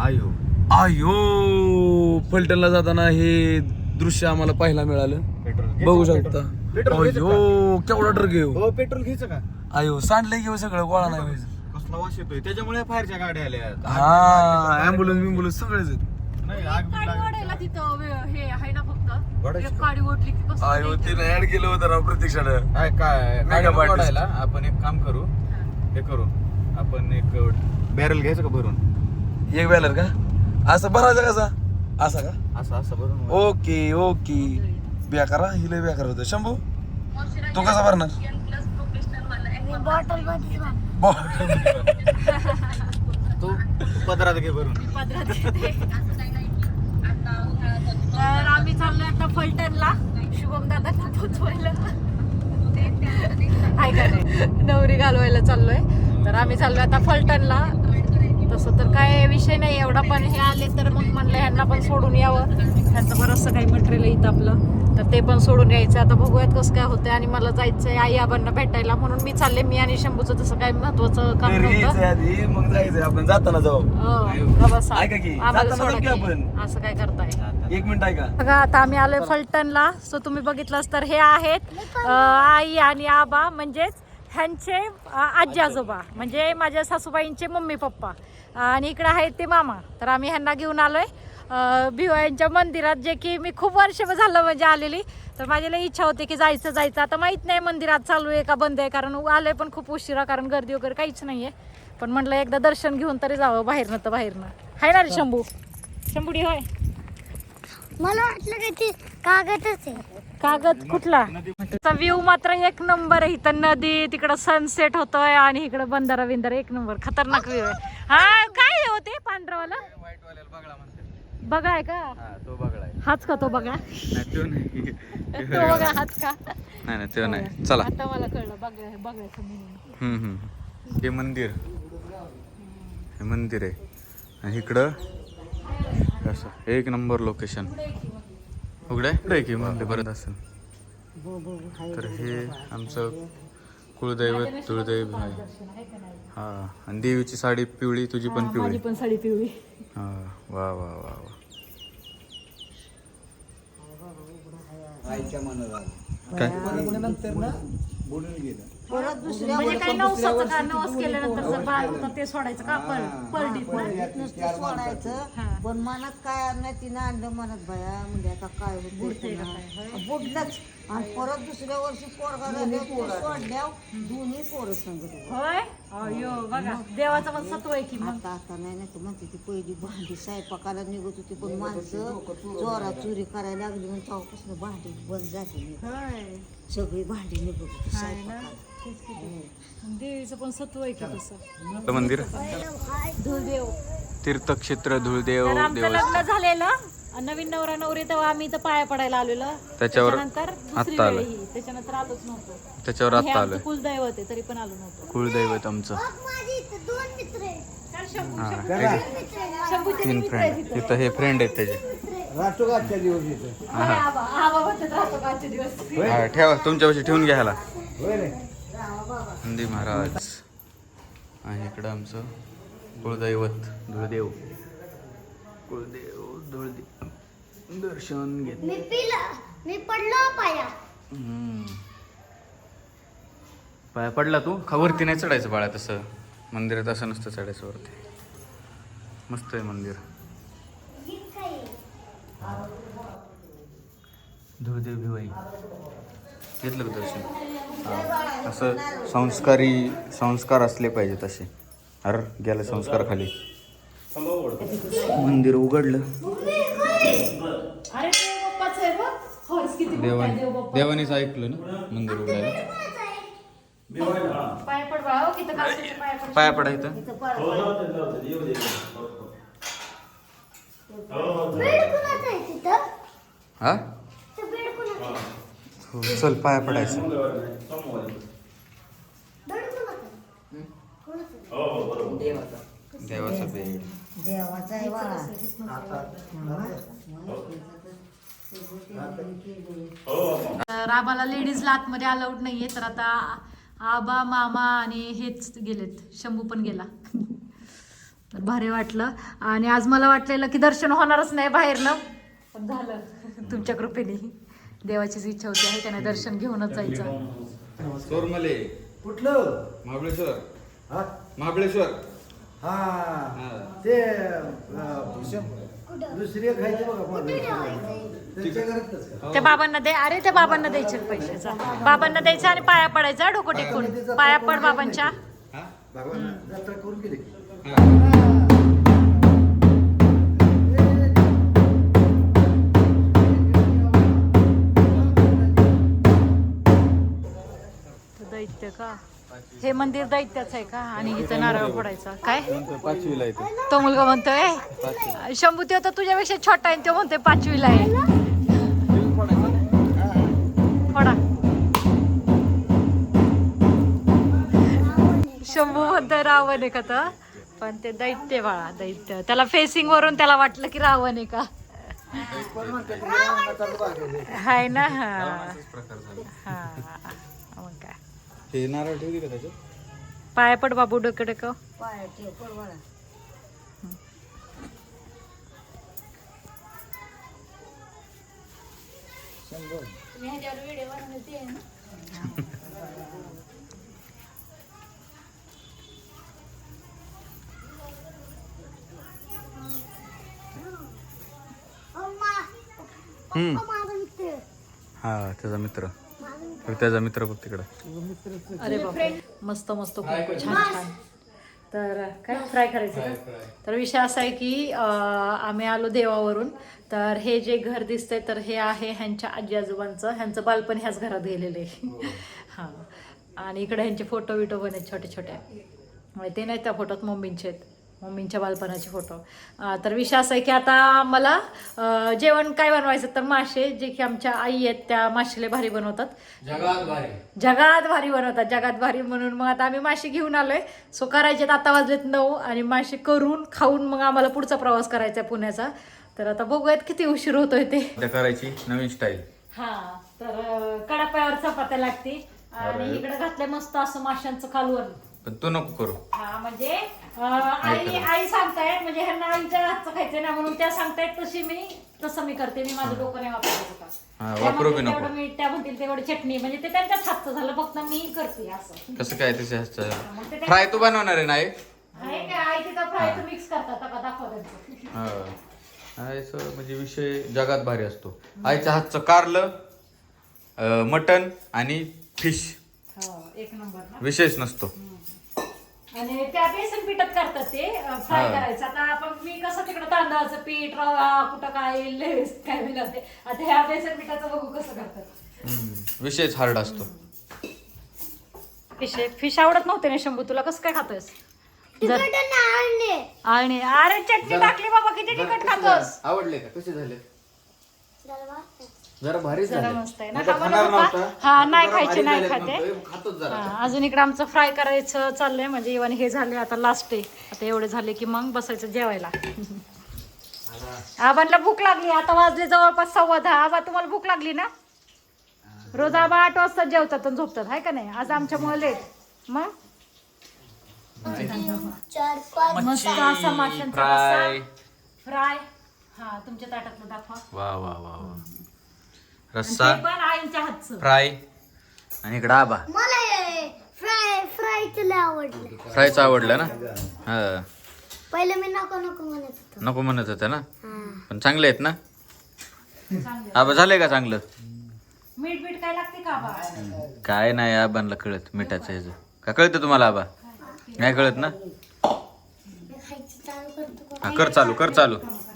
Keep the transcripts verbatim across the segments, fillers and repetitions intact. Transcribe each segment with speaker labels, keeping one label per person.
Speaker 1: आयो
Speaker 2: आयो फलटणला जाताना हे दृश्य आम्हाला पाहायला मिळालं.
Speaker 1: पेट्रोल
Speaker 2: बघू शकता.
Speaker 1: पेट्रोल घ्यायचं
Speaker 2: अयो केवढा ट्रक घेऊ.
Speaker 1: हो पेट्रोल घ्यायचं का?
Speaker 2: अयो सांडलंय घेऊ सगळं गोळा नाही व्हायचं.
Speaker 1: कसला वास येतोय त्याच्यामुळे फायरच्या गाड्या आल्या.
Speaker 2: हा ऍम्ब्युलन्स बिम्बुलन्स सगळेच आहेत.
Speaker 1: नाही आग बिग
Speaker 3: गाडी
Speaker 1: लागली.
Speaker 3: ओढायला तिथं वे- हे आहे ना फक्त
Speaker 1: ओढायची
Speaker 3: एक
Speaker 1: का?
Speaker 3: गाडी ओढली की कसं
Speaker 2: अयो
Speaker 3: नाही.
Speaker 2: तिने ऍड केलं होतं राव प्रत्यक्षानं.
Speaker 1: काय काय
Speaker 2: मेगा
Speaker 1: गाडी
Speaker 2: पार्टी.
Speaker 1: ओढायला आपण एक काम करू. हे करू आपण एक बॅरल घ्यायचं का भरून?
Speaker 2: एक बॅलर का असं भरायचं कसा असा का?
Speaker 1: असं असं भरून
Speaker 2: ओके ओके बेकारा हिले बेकार होतं. शंभू तू कसा भरणार?
Speaker 3: बॉटल मध्ये
Speaker 1: तू पदरात घे भरून.
Speaker 3: पदरात घेते. तर आम्ही चाललोय आता फलटणला शुभम दादांना पोचवायला. हाय का नाही नवरी घालवायला चाललोय. तर आम्ही चाललोय आता फलटणला. तसं तर काय विषय नाही एवढा पण हे आले तर मग म्हणलं ह्यांना पण सोडून यावं. ह्यांचं बरंचसं काही मटेरियल येतं आपलं तर ते पण सोडून यायचं. आता बघूयात कसं काय होतंय. आणि मला जायचंय आई आबांना भेटायला म्हणून मी चालले. मी आणि शंभूचं तसं काय महत्वाचं काम नव्हतं.
Speaker 2: आधी मग जायचंय आपण जाताना जाऊ.
Speaker 3: हो, बसा.
Speaker 2: ऐका की,
Speaker 3: आम्हाला
Speaker 2: जाताना
Speaker 3: सोडा
Speaker 2: जाऊ की
Speaker 3: की.
Speaker 2: आपण.
Speaker 3: असं काय करताय.
Speaker 2: एक मिनिट ऐका.
Speaker 3: बघा आता आम्ही आलोय फलटणला. सो तुम्ही बघितलंच तर हे आहेत अं, आई आणि आबा म्हणजेच ह्यांचे अं, आजी आजोबा म्हणजे माझ्या सासूबाईंचे मम्मी पप्पा आणि इकडे आहेत ते मामा. तर आम्ही ह्यांना घेऊन आलोय भिवायांच्या मंदिरात जे की मी खूप वर्ष झालं म्हणजे आलेली. तर माझी लई इच्छा होती की जायचं जायचं आता माहित नाही मंदिरात चालू आहे का बंद आहे कारण आलोय पण खूप उशिरा कारण गर्दी वगैरे काहीच नाहीये. पण म्हटलं एकदा दर्शन घेऊन तरी जावं बाहेरनं तर बाहेरनं. हाय ना रे शंभू शंभूडी होय.
Speaker 4: मला वाटलं की ती कागदच आहे.
Speaker 3: कागद कुठला व्ह्यू मात्र एक नंबर आहे. इथं नदी तिकडं सनसेट होतोय आणि इकडं बंधारा बिंधारा एक नंबर खतरनाक व्ह्यू आहे. हा काय होते पांढरावाला
Speaker 1: व्हाईट वाल्याला बघला म्हणते.
Speaker 3: बघा आहे का?
Speaker 1: हा तो बघला आहे.
Speaker 3: हाच का तो बघा
Speaker 1: नाही तो नाही.
Speaker 3: तो बघा हाच का?
Speaker 1: नाही नाही तो नाही. चला.
Speaker 3: आता मला कळलं बघा बघायचं म्हणून.
Speaker 1: हम्म हम्म हे मंदिर हे मंदिर आहे आणि इकडं कसं एक नंबर लोकेशन उघडं आहे की मंदिर बरं असेल. तर हे आमचं कुळदैवत तुळदैव आहे. हा आणि देवीची साडी पिवळी तुझी पण पिवळी.
Speaker 3: माझी पण साडी पिवळी.
Speaker 1: हा वा वा वा वा. काय
Speaker 3: म्हणजे काही नवसाचं का नवस केल्यानंतर जर बाळ होतं ते सोडायचं का पर परडीत
Speaker 5: नुसतं सोडायचं पण मनात काय नाही तिनं आणलं मनात भया म्हणजे आता काय होत बुडलंच आणि परत दुसऱ्या वर्षी पोरगा झाले सोडल्यावर दोन्ही पोरं सांगत
Speaker 3: होय अयो बघा देवाचं पण सत्व आहे की मग.
Speaker 5: आता आता नाही नाही तर म्हणते ती पहिली भांडी स्वयंपाकाला निघत होती पण माणसं चोरा चोरी करायला लागली म्हणजे तेव्हापासून भांडी बंद झाली.
Speaker 3: होय
Speaker 5: सगळी भांडी निघत होती
Speaker 3: हाय ना
Speaker 5: स्वयंपाकाला.
Speaker 3: तेच की ते. देवीचं पण सत्व आहे की तसं.
Speaker 1: मंदिर
Speaker 3: धुळदेव
Speaker 1: तीर्थक्षेत्र धुळदेव
Speaker 3: तर आमचं
Speaker 1: देवस्थान
Speaker 3: लग्न झालेलं नवीन नवरा नवरी तेव्हा आम्ही इथं पाया पडायला आलेलो.
Speaker 1: त्याच्यावर
Speaker 3: त्याच्यानंतर दुसरी
Speaker 1: आत्ता
Speaker 3: वेळ
Speaker 1: आलं.
Speaker 3: ही त्याच्यानंतर आलोच नव्हतो.
Speaker 1: त्याच्यावर
Speaker 3: हे
Speaker 1: आत्ता
Speaker 3: आमचं
Speaker 1: आलं.
Speaker 3: कुलदैवत आहे तरी पण आलो नव्हतो.
Speaker 1: कुळदैवत आमचं.
Speaker 4: माझी इथं दोन मित्र आहेत.
Speaker 3: तर शंभू
Speaker 1: हा
Speaker 3: शंभू-
Speaker 1: हे
Speaker 3: शंभूचे
Speaker 1: तीन
Speaker 3: मित्र आहेत
Speaker 1: फ्रेंड
Speaker 3: इथं.
Speaker 1: तिथं हे फ्रेंड आहेत त्याचे.
Speaker 3: होय, आबा आबा म्हणतात राहतो का आजचे दिवस.
Speaker 1: हा ठेवा तुमच्यापाशी ठेवून घ्या ह्याला. नंदी महाराज आणि इकडं आमचं कुळदैवत धुळदेव. कुळदेव धुळदेव दर्शन घेत.
Speaker 4: मी पिला मी पडलो पाया.
Speaker 1: हम्म. पाया पडला तू खावरती नाही चढायचं बाळा तसं मंदिरात असं नसतं चढायचं वरती. मस्त आहे मंदिर. धुळदेव भिवाई घेतलं का दर्शन? हा. असं संस्कारी संस्कार असले पाहिजेत असे. अरे गेलं संस्कार खाली. मंदिर उघडलं.
Speaker 3: अरे ते बाप्पाचं आहे बघ. हॉर्स किती मोठा आहे
Speaker 1: देवाने
Speaker 3: देव बाप्पा.
Speaker 1: देवानेच ऐकलं ना मंदिर उघडायला.
Speaker 3: पाय पड बाळा हो, किती कासवाचे पाय पड.
Speaker 1: पाया पडायचं.
Speaker 4: बेड कुणाचं आहे तिथं?
Speaker 1: हा
Speaker 4: ते बेड कुणाचं आहे?
Speaker 1: हो, चल पाया पडायचं.
Speaker 4: बेड कुणाचं आहे? कुणाचं आहे?
Speaker 1: देवाचा बेड.
Speaker 5: देवाचा आहे बाळा.
Speaker 3: तर आबाला लेडीजला आतमध्ये अलाउड नाहीये तर आता आबा मामा आणि हेच गेलेत. शंभू पण गेला. तर भारी वाटलं. आणि आज मला वाटलेलं की दर्शन होणारच नाही बाहेरनं, पण झालं तुमच्या कृपेने. देवाचीच इच्छा होती आहे का नाही, दर्शन घेऊनच जायचं.
Speaker 1: चोरमले
Speaker 2: कुठलं
Speaker 1: महाबळेश्वर
Speaker 2: हा
Speaker 1: महाबळेश्वर
Speaker 2: हा ते अं, शं- दुसरी खायची बघा त्यांच्या घरातच का?
Speaker 3: त्या बाबांना दे, अरे त्या बाबांना द्यायचे पैशाचा, बाबांना द्यायचं आणि पाया पडायचा, डोकं टेकून पाया पड बाबांच्या.
Speaker 2: भगवान जत्रा करून गेले
Speaker 3: दैत्य का हे मंदिर दैत्याचं आहे का? आणि इथं नारळ फोडायचा काय?
Speaker 1: पाचवीला येते.
Speaker 3: तो मुलगा म्हणतोय शंभू तो तर तुझ्यापेक्षा छोटा आहे, तो म्हणतोय पाचवीला आहे. फोडा. शंभू म्हणतोय रावण आहे का तर, पण ते दैत्य बाळा, दैत्य. त्याला फेसिंग वरून त्याला वाटलं की रावण आहे का. हाय ना. हा हा मग काय.
Speaker 1: हे नारळ ठेवली का त्याच्यात?
Speaker 3: पाया पड बाबू, डोकं डोकं.
Speaker 5: पाय ठेव पड बाळा.
Speaker 1: हम्म.
Speaker 4: माझा मित्र
Speaker 1: हा त्याचा मित्र, त्याचा मित्र बघ तिकडं.
Speaker 3: अरे बापरे, मस्त मस्त खूप छान छान. तर काय फ्राय करायचं का? तर विषय असा आहे की अं, आम्ही आलो देवावरून. तर हे जे घर दिसतंय तर हे आहे ह्यांच्या आजी आजोबांचं, ह्यांचं बालपण ह्याच घरात गेलेलं आहे. हां. आणि इकडे ह्यांचे फोटो विटो पण आहेत छोटे छोटे, ते नाही त्या फोटोत मम्मींचे आहेत, मम्मींच्या बालपणाचे फोटो. तर विषय असा आहे की आता मला अं, जेवण काय बनवायचं, तर मासे, जे की आमच्या आई आहेत त्या मासेले भारी बनवतात,
Speaker 2: जगात भारी
Speaker 3: जगात भारी बनवतात, जगात भारी. म्हणून मग आता आम्ही मासे घेऊन आलोय. सो करायचे आता वाजलेत नऊ, आणि मासे करून खाऊन मग आम्हाला पुढचा प्रवास करायचा आहे पुण्याचा. तर आता बघूयात किती उशीर होतोय ते.
Speaker 1: करायची नवीन स्टाईल.
Speaker 3: हा तर अं, कडाप्यावर चपात्या लागते, आणि इकडे घातलंय मस्त असं माशांचं कालवण.
Speaker 1: पण तू नको करू.
Speaker 3: हा म्हणजे अं, आई आई सांगतायत, म्हणजे ह्यांना आईच्या हातचं खायचंय ना, म्हणून त्या सांगतायत तशी मी तसं मी करते. मी माझं डोकं नाही वापरायचं
Speaker 1: हा,
Speaker 3: का.
Speaker 1: वापरू बी नको.
Speaker 3: तेवढं मीठ, त्या म्हणतील तेवढी चटणी, म्हणजे ते त्यांच्याच हातचं झालं, फक्त मी करते असं.
Speaker 1: कसं काय त्याच्या
Speaker 3: मग ते
Speaker 1: फ्राय तू बनवणार आहे ना आई?
Speaker 3: आहे काय आई तिथं फ्राय मिक्स करतात का, दाखवा त्यांचं.
Speaker 1: हा आईचं म्हणजे विषय जगात भारी असतो. आईच्या हातचं कारलं, अं, मटण आणि फिश
Speaker 3: हो, एक नंबर ना.
Speaker 1: विशेष नसतो.
Speaker 3: आणि त्या बेसन पिठात करतात ते फ्राय
Speaker 1: हा.
Speaker 3: करायचं. आता आपण मी कसं तिकडं तांदळाचं पीठ, रवा, कुठं काय लेस काय मिळते, आता ह्या बेसन पिठाचं बघू कसं करतात.
Speaker 1: हम्म, विषयच हार्ड असतो.
Speaker 3: फिश फिश आवडत नव्हते ना शंभू, तुला कसं काय खातोस?
Speaker 4: तिकडे आणले
Speaker 3: आणि अरे चटणी टाकली बाबा, किती तिखट खातोस.
Speaker 2: आवडले का? कसे झाले? जरा भारी
Speaker 3: जरा मस्त आहे ना. हा म्हणत होता, हा नाही खायचे, नाही खाते.
Speaker 2: खातोच जरा.
Speaker 3: हा, अजून इकडे आमचं फ्राय करायचं चाललंय, म्हणजे इव्हन हे झाले आता लास्ट आहे. आता एवढे झाले की मग बसायचं जेवायला. आबांना भूक लागली, आता वाजले जवळपास सव्वा दहा. आबा तुम्हाला भूक लागली ना? रोज आबा आठ वाजता जेवतात आणि झोपतात, आहे का नाही? आज आमच्यामुळे लेट. मग
Speaker 4: चार पाच
Speaker 3: मस्त असा माशांचा
Speaker 1: फ्राय.
Speaker 3: फ्राय. हा तुमच्या ताटातलं दाखवा.
Speaker 1: वा वा वा वा.
Speaker 3: आणि
Speaker 1: रस्सा,
Speaker 3: ते पण आईच्या हातचं.
Speaker 1: फ्राय, आणि इकडं आबा.
Speaker 4: मला फ्राय फ्रायचं लय आवडलं.
Speaker 1: फ्रायचं आवडलं ना? हा
Speaker 4: पहिले मी नको नको म्हणत होतो.
Speaker 1: नको म्हणत होतं ना,
Speaker 4: हा.
Speaker 1: पण चांगले आहेत ना
Speaker 3: चांगलं.
Speaker 1: आबा? झालंय का चांगलं?
Speaker 3: मीठ बीठ काय लागते का आबा?
Speaker 1: काय नाही आबांना कळत मिठाचं ह्याचं. का कळतं तुम्हाला आबा? नाही कळत ना?
Speaker 4: मी खायचं चालू करतो का?
Speaker 1: हा कर चालू, कर चालू.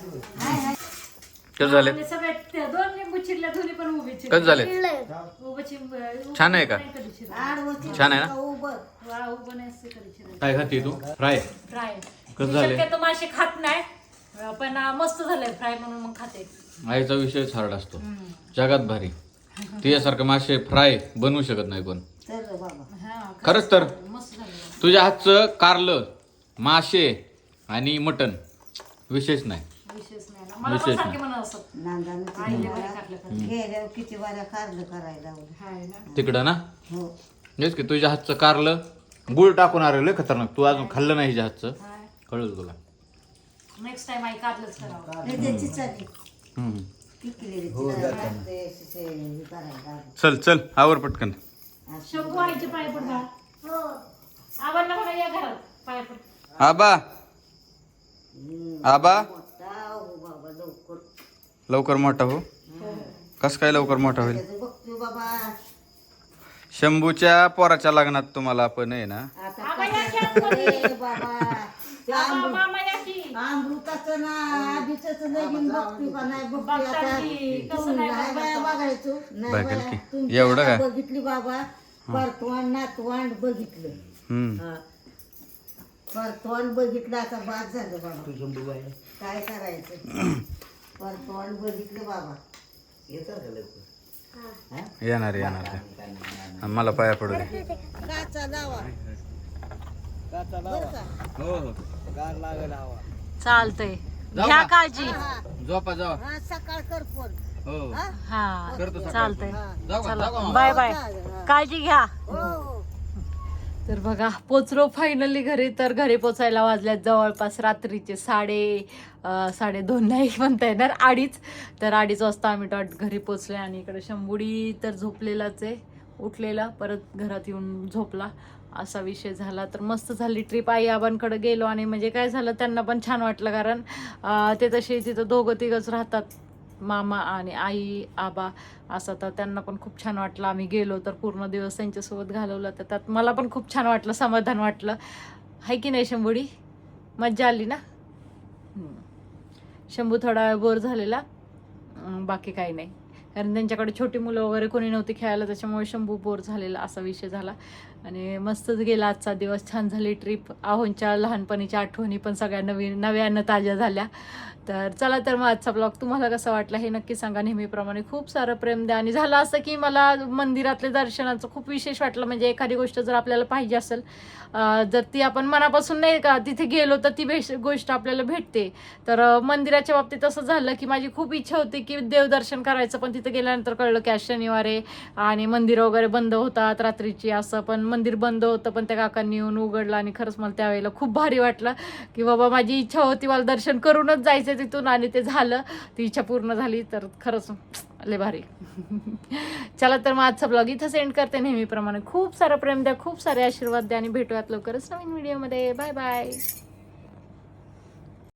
Speaker 1: कसं झाले?
Speaker 3: म्हणजे सगळे ते दोन लिंबू चिरल्या, दोन्ही पण उभे चिरले.
Speaker 1: कसं झाले?
Speaker 4: चिडलंय.
Speaker 3: उभं चिर-
Speaker 1: छान आहे का?
Speaker 3: नाही कधी चिरलं.
Speaker 5: आडवं
Speaker 1: छान आहे ना?
Speaker 5: उभं.
Speaker 3: वा, उभं नाही असं कधी चिरलं.
Speaker 1: काय खाते तू? फ्राय.
Speaker 3: फ्राय.
Speaker 1: कसं
Speaker 3: मी
Speaker 1: झालंय?
Speaker 3: शक्यतो मासे खात नाही, पण मस्त झालंय फ्राय म्हणून मग खाते.
Speaker 1: आईचा विषयच हार्ड असतो, जगात भारी. तुझ्यासारखं मासे फ्राय बनवू शकत नाही कोण.
Speaker 5: तर रे बाबा.
Speaker 3: हा,
Speaker 1: खरंच तर
Speaker 3: मस्त झालं.
Speaker 1: तुझ्या हातचं कारलं, मासे आणि मटण विशेष नाही.
Speaker 3: विशेष नाही ना. मला पण
Speaker 1: विशेष
Speaker 3: सारखे
Speaker 1: नाही.
Speaker 3: म्हणत असत.
Speaker 5: नांदानं किती
Speaker 3: आईले
Speaker 5: वाऱ्या-
Speaker 3: बरं टाकलं का?
Speaker 5: गेल्यावर किती वाऱ्या कारलं करायला लावलं.
Speaker 3: हाय ना.
Speaker 1: तिकडं ना
Speaker 5: हो.
Speaker 1: हेच की तुझ्या हातचं कारलं गुळ टाकून आलेलं खतरनाक. तू अजून खाल्लं नाही हिच्या हातचं,
Speaker 3: हाय.
Speaker 1: कळलं तुला?
Speaker 3: नेक्स्ट टाइम आई कारलंच करावं.
Speaker 5: नाही त्याची चाली
Speaker 1: हम्म.
Speaker 5: पिकलेली
Speaker 6: हो,
Speaker 5: ती
Speaker 6: जाताना.
Speaker 5: लागते, अशी से- हे करायला.
Speaker 1: चल चल आवर पटकन.
Speaker 3: शंभू आईचे पाय पड बा. आबांना बघा या घरात पाय पड.
Speaker 1: आबा आबा
Speaker 5: मोठा हो बाबा लवकर
Speaker 1: लवकर मोठा हो. कस काय लवकर मोठा होईल?
Speaker 5: त्याचं बघतो बाबा
Speaker 1: शंभूच्या पोराच्या लग्नात तुम्हाला पण आहे ना.
Speaker 5: आता
Speaker 3: आबा या की
Speaker 5: कसं
Speaker 3: आतमध्ये.
Speaker 5: आहे बाबा त्या
Speaker 3: आबा,
Speaker 5: अमृत-
Speaker 3: मामा या की.
Speaker 5: अमृताचं ना आधीच लगीन बघतो का नाही बघतो
Speaker 3: बघतात
Speaker 5: आता
Speaker 3: की, कसं
Speaker 5: तुम्ही
Speaker 3: नाही
Speaker 5: नाही बाया
Speaker 3: बघत.
Speaker 5: बघायचो नाही
Speaker 1: बघेल
Speaker 5: बाया.
Speaker 1: की.
Speaker 5: तुमची
Speaker 1: एवढं
Speaker 5: आता
Speaker 1: काय?
Speaker 5: बघितली बाबा परतवान नातवांड बघितलं
Speaker 1: हम्म.
Speaker 5: हा. परतवान बघितलं आता बाद झालं बाबा
Speaker 6: तू शंभू बाई
Speaker 5: काय करायचं परतवान बघितलं बाबा
Speaker 6: येतात का लवकर
Speaker 1: येणार येणार ते. आणि मला पाया पडू दे.
Speaker 5: काचा लावा बरं का?
Speaker 6: हो हो गार लागेल हवा
Speaker 3: चालतंय. घ्या काळजी.
Speaker 5: हा,
Speaker 1: झोपा जावा.
Speaker 5: हा सकाळ कर फोन
Speaker 1: हो
Speaker 5: हा?
Speaker 3: हा चालतंय.
Speaker 1: जाऊ का?
Speaker 3: चला
Speaker 1: जाऊ का?
Speaker 3: Bye bye.
Speaker 5: हा.
Speaker 3: काळजी घ्या.
Speaker 5: हो हो
Speaker 3: तर बघा पोचलो फायनली घरी. तर घरी पोचायला वाजल्यात जवळपास रात्रीचे साडे अं, साडे दोन नाही म्हणता येणार अडीच. तर अडीच वाजता आम्ही डॉट घरी पोचले. आणि इकडे शंभुडी तर झोपलेलाच आहे. उठलेला परत घरात येऊन झोपला असा विषय झाला. तर मस्त झाली ट्रिप. आई आबांकडे गेलो आणि म्हणजे काय झालं त्यांना पण छान वाटलं कारण अं, ते तसे तिथं दोघं तिघंच राहतात मामा आणि आई आबा असं. तर त्यांना पण खूप छान वाटलं. आम्ही गेलो तर पूर्ण दिवस त्यांच्यासोबत घालवला. तर त्यात मला पण खूप छान वाटलं समाधान वाटलं. हाय की नाही शंभुडी? मज्जा आली ना. हम्म. शंभू थोडा वेळ बोर झालेला अं, बाकी काही नाही कारण त्यांच्याकडे छोटी मुलं वगैरे कोणी नव्हती खेळायला त्याच्यामुळे शंभू बोर झालेला असा विषय झाला. आणि मस्तच गेला आजचा दिवस. छान झाली ट्रिप. आहोंच्या लहानपणीच्या आठवणी पण सगळ्या नवीन नव्यानं ताज्या झाल्या. तर चला तर मग आजचा ब्लॉग तुम्हाला कसा वाटला हे नक्की सांगा. नेहमीप्रमाणे खूप सारं प्रेम द्या. आणि झालं असं की मला मंदिरातले दर्शनाचं खूप विशेष वाटलं. म्हणजे एखादी गोष्ट जर आपल्याला पाहिजे असेल अं, जर ती आपण मनापासून नाही का तिथे गेलो तर ती बेश गोष्ट आपल्याला भेटते. तर अं, मंदिराच्या बाबतीत असं झालं की माझी खूप इच्छा होती की देवदर्शन करायचं. पण तिथे गेल्यानंतर कळलं की आज शनिवार आहे आणि मंदिरं वगैरे बंद होतात रात्रीची असं. पण मंदिर बंद होतं पण त्या काकांनी येऊन उघडलं आणि खरंच मला त्यावेळेला खूप भारी वाटलं की बाबा माझी इच्छा होती मला दर्शन करूनच जायचं तिथून आणि ते झालं. ती इच्छा पूर्ण झाली. तर खरंच लय भारी. चला तर मग आजचा ब्लॉग इथं सेंड करते. नेहमीप्रमाणे खूप सारं प्रेम द्या खूप सारे आशीर्वाद द्या आणि भेटूयात लवकरच नवीन व्हिडिओमध्ये. Bye bye.